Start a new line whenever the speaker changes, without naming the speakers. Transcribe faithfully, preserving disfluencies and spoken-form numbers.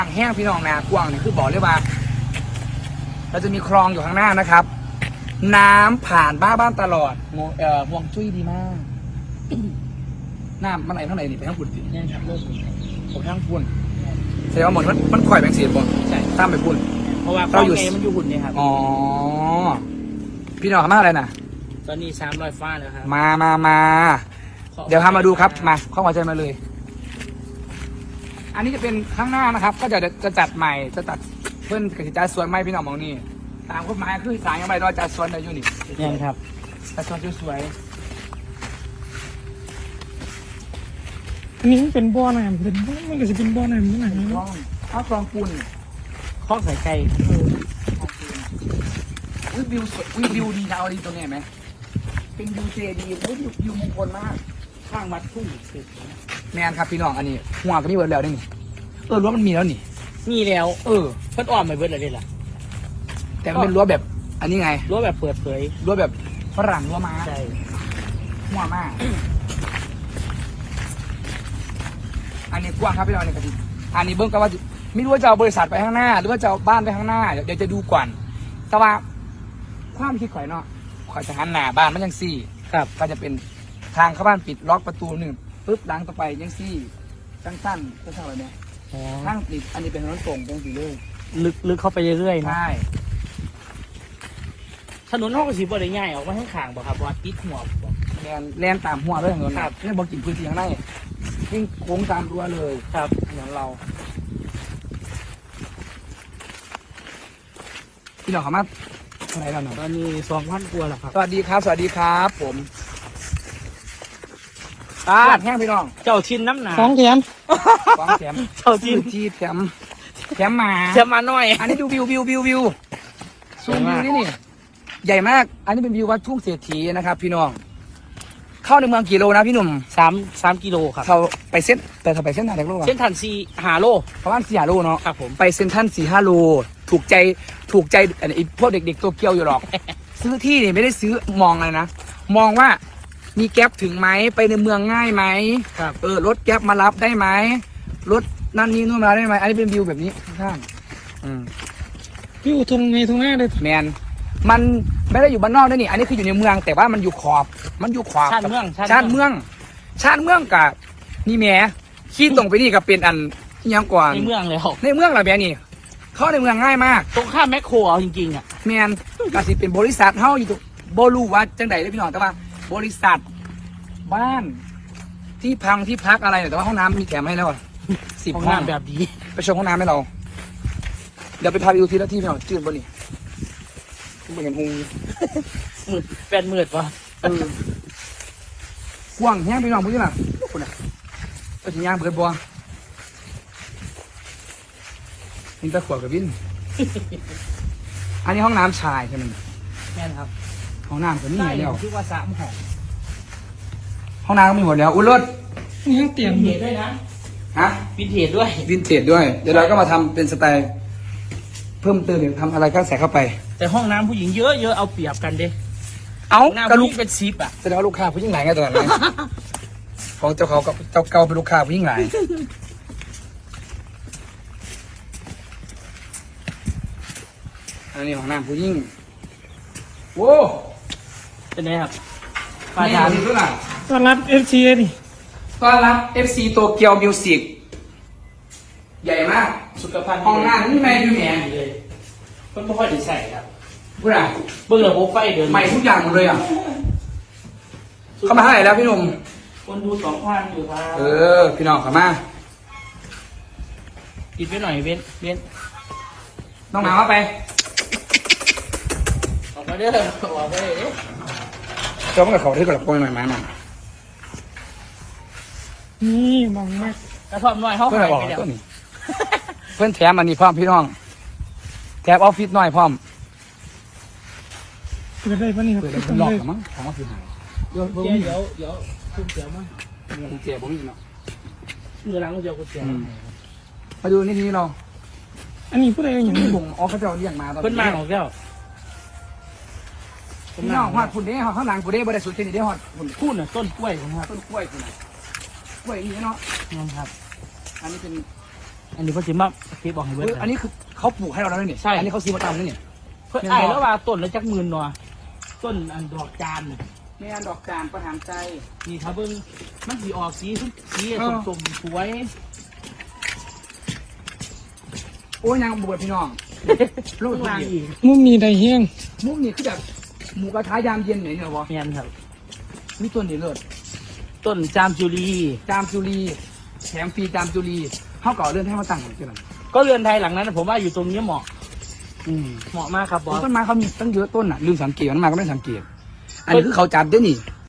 แห้งพี่น้องนากว้างนี่คือบอกเลยว่าเราจะมีคลองอยู่ข้างหน้านะครับน้ำผ่านบ้านบ้านตลอดเอ่อห่วงจุ้ยดีมากน้ำมันไหลเท่าไหร่นี่ไปทั้งปุ่นสิ
เนี่ยครับเริ่ม
ผมทั้งปุ่นแสดงว่าหมดมันมันข่อยแบงเสียบ่
ใช่
ตามไปปุ่น
เพราะว่า
เราอยู่
เมันอยู่หุ่นเนี่ยครับ
อ๋อพี่น้องมาอะไรนะ
ตอนนี้สามร้อยฟ้าแล้วครับ
มามามาเดี๋ยวพามาดูครับมาเข้ามาใจมาเลย อันนี้จะเป็นข้างหน้านะครับ ก็จะจะจัดใหม่จะตัดเพื่อนกสิจาสวนไม้พี่น้องมองนี่ตามกฎหมายคือสายยังไงเราจัดสวนได้อยู่นี่
เนี่ยครับ
จัดสวนสวย
อันนี้มันเป็นบ่อน้ำเป็นบ่อมันก็จะเป็นบ่อน้ำนี่นะ
ๆคลองข้าวคลองปูน
ข้องใส่ไก่
วิววิวสวยวิววิวดีนะเอาดีตรงนี้เห็นไหมเป็นวิวเจดีย์วิววิวมงคลมาก
ข้างวัดทุ่งเสร็จ
แมนครับพี่น้องอันนี้หัวก็มีเบิร์ดแล้วนี่เออรั้วมันมีแล้วนี่
มีแล้ว
เออ
เพิ่นอ้อมไปเบิดเลยล่ะ
แต่มันเป็นรั้วแบบ อันนี้ไง
รั้วแบบเปิดเผย
รั้วแบบฝรั่งรั้วม้า
ใช่
หัวมาก อันนี้กว้างครับพี่น้องเนี่ยกะทิอันนี้เบิ้งก็ว่าไม่รู้ว่าจะเอาบริษัทไปข้างหน้า หรือว่าจะเอาบ้านไปข้างหน้าเดี๋ยวเดี๋ยวจะดูก่อน แต่ว่าความคิดข่อยเนาะข่อยจะหันหน้าบ้านมันยังซี่
ครับ
ก็จะเป็นทางเข้าบ้านปิดล็อกประตูหนึ่งปุ๊บหลังต่อไปยังซี่สั้นๆสั้นๆอะไรเนี่ย
อ๋อ
ทางปิดอันนี้เป็นถนนตรงตรงสีเลย
ลึกลึกเข้าไปเรื่อยๆนะ
ใช่
ถนนห้องสีบ่ได้ง่ายออกมาข้างข้างบ่ครับว่าติดหัวบ่
แลนแลนตามหัวด้วยถนน
ครับ
นี่บอกกินพื้นที่ข้างในวิ่งโค้งตามรั้วเลย
ครับ
ถนนเราพี่น้องสามารถอะไรเราหน่อย
ตอนนี้สองพันกว่าแล้วครับ
สวัสดีครับ สวัสดีครับ ผมตาดแห้งพี่น้อง
เจ้าชินน้ำหนา
สองแถม
สองแถม
เจ้าชิน
ที่แถมแถมมา
เชื่อมาหน่อย
อันนี้ดูวิววิววิววิวซูมวิวนี่นี่ใหญ่มาก อันนี้เป็นวิววัดทุ่งเศรษฐีนะครับ พี่น้อง เข้าในเมืองกี่โลนะพี่หนุ่ม
สามสามกิโลครับ
เขาไปเส้นแต่เขาไปเส้นทางไหนโลวะ
เส้นทันซีหาโล
ประมาณสี่ห้าโลเนาะ
ครับผม
ไปเซ็นทรัลสี่ห้าโลถูกใจถูกใจไอ้พวกเด็กๆตัวเกียวอยู่หรอก ซื้อที่นี่ไม่ได้ซื้อมองอะไรนะ มองว่ามีแก๊ปถึงไหมไปในเมืองง่ายไหม
ครับ
เออรถแก๊ปมารับได้ไหมรถนั่นนี่นู่นมารับได้ไหมอันนี้เป็นวิวแบบนี้ข้างๆอืม
วิวตรงในตรงหน้าเลย
แมนมันไม่ได้อยู่บ้านนอกด้วยนี่ อันนี้คืออยู่ในเมือง แต่ว่ามันอยู่ขอบ มันอยู่ขอบ
ชาติเมือง
ชาติเมือง ชาติเมืองกับนี่แหม่ขี้ตรงไปนี่กับเป็นอันอิหยังก่อน
ในเมืองแล้ว
ในเมืองเหรอแม่นี่ เข้าในเมืองง่ายมาก
ตรงข้ามแมคโครเอาจริงๆอ่ะ
แมนกสิเป็นบริษัทเฮาอยู่ตรงโบลูว่าจังใดเลยพี่น้องแต่ว่า บริษัทบ้าน ที่พังที่พักอะไรเนี่ยแต่ว่าห้องน้ำมีแถมให้แล้วอะสิบ
ห้อง
ห้อง
น้ำแบบดี
ไปชมห้องน้ำให้เรา เดี๋ยวไปพาไปดูทีละที่พี่น้องจืดบ่นี่เหมือนหู
มืดแปดมืดวะ
เออกว้างแห้งพี่น้องพูดที่น่ะคุณน่ะก็ถึงย่างเบิดบัวนี่ตะขวดกับวิน อันนี้ห้องน้ำชายใช่ไหม
แม่นครับ
ห้องน้ำก็มี
ใช่
แล้ว
ที่ว่าสามห้อง
ห้องน้ำก็มีหมดแล้ว อุ้ยรถ
นี่ยังเตียง
วิน
อ ยู่
เทจด้วยนะ
ฮะ
วินเทจด้วย
วินเทจด้วย เดี๋ยวเราก็มาทำเป็นสไตล์ เพิ่มเติมหรือทำอะไรก็ใส่เข้าไป
แต่ห้องน้ำผู้หญิงเยอะเยอะเอาเปรียบกันเด้
เอ้า
ห้องน้ำ
กระ
ผู้
ลุ
ห
ก
ญิงเป็นซิปอ่ะ
แสดงว่าลูกค้าผู้หญิงหลายไงตอนนั้น ของเจ้าเขากับเจ้าเก่าเป็นลูกค้าผู้หญิงหลาย อันนี้ของน้ำผู้หญิงโว้
เป็นไงครับ
ปา
ปา
ทา
ทาน น
ด้วยล่ะ
ต้อนรับเอฟซีดิ
ต้อนรับ เอฟ ซี โตเกียวมิวสิกใหญ่มาก
สุขภัณฑ์
ห้องน้ำนี่แม่อยู่แหน
เลยเพิ่นไม่ค่อยได้ใส่ครับ
พูดอ่ะ
เบิ่งระบบไฟเดิน
ใหม่ทุกอย่างหมดเลยอ่ะ เข้ามาเท่าไหร่แล้วพี่หนุ่ม
คนดูสองพันอยู่ครับ
เออ พี่น้องเข้ามา
กินไปหน่อยเว้นเว้น
น้องหนาวเข้าไป
ออกมาเด้อออกมาเด้อ
เจ้าเมื่อเขาที่กระโปรงหน่อยมาหน่อย
นี่มองมาก
กระท่อมหน่อยเขา
เพื่อน
หาย
บอก
ไปแล้ว
ตัวนี้เพื่อนแถมอันนี้พร้อมพี่น้องแถมออฟฟิศน้อยพร้อม
เปิดได้ปะนี่ครับ
เปิดเลย
ต้
เป็
อน ง
ล็อก
เลย
เหรอมั้งถามว่าคือหายเดี๋ยว
เดี๋
เดี๋
ย
ยว ว
เดี๋ยวเดี๋ยวคุณเสียวมา
กุญแจผมนี่เนาะ
เมื่อหลังคุณเสียวคุณเสียว
มาดูนี่ทีเรา
อันนี้ผู้ใดอย่าง
ที่
นี้
บ่งออฟเขาจะเอาเรียกมาตอน
เพิ่นมาของแก้ว
พี่น้องฮอดคุณเด้ฮอดข้างหลังคุณเด้บ่ได้สุดแค่นี้เด้ฮอดคุณ
พูดน่ะต้นกล้วยผมครับ
ต้นกล้วยคุณน่ะกล้วยนี่เนาะ
นั่นครับ
อันนี้เป็น
อันนี้เพิ่นสิมาเก็บบอกให้เบิด
เฮ้ยอันนี้คือเขาปลูกให้เราแล้วนี่
ใช่
อันนี้เขาซื้อมาตามนี่นี่
เพิ่นไอ้ายแล้วว่าต้นละจักหมื่นเนาะต้นอันดอกจาน
แม่นดอกจานประหารใจ
นี่ถ้าเบิ่งมันสิออกสีสี
เออ
ส้มๆสวย
โอ้ยยังบวชพี่น้องลูก
ข้างล่าง
อี
อีก
มุมนี้ได้แห้ง
มุกนี่คือแบบหมูกระทะยามเย็นไหนเนี่ยวะ
แม่นครับ
มีต้นนี่เลิศ
ต้นจามจุลี
จามจุลีแถมฟรีจามจุลีเขาก่อเรื่องให้เขาตั้งหน่อยใช่ไหม
ก็เรือนไทยหลังนั้นผมว่าอยู่ตรงนี้เหมาะ
อืม
เหมาะมากครับบอส
ต้นไม้เขามีตั้งเยอะต้นอ่ะลืมสังเกตต้นไม้ก็ไม่ได้สังเกต อันนี้คือเขาจัดด้วยนี่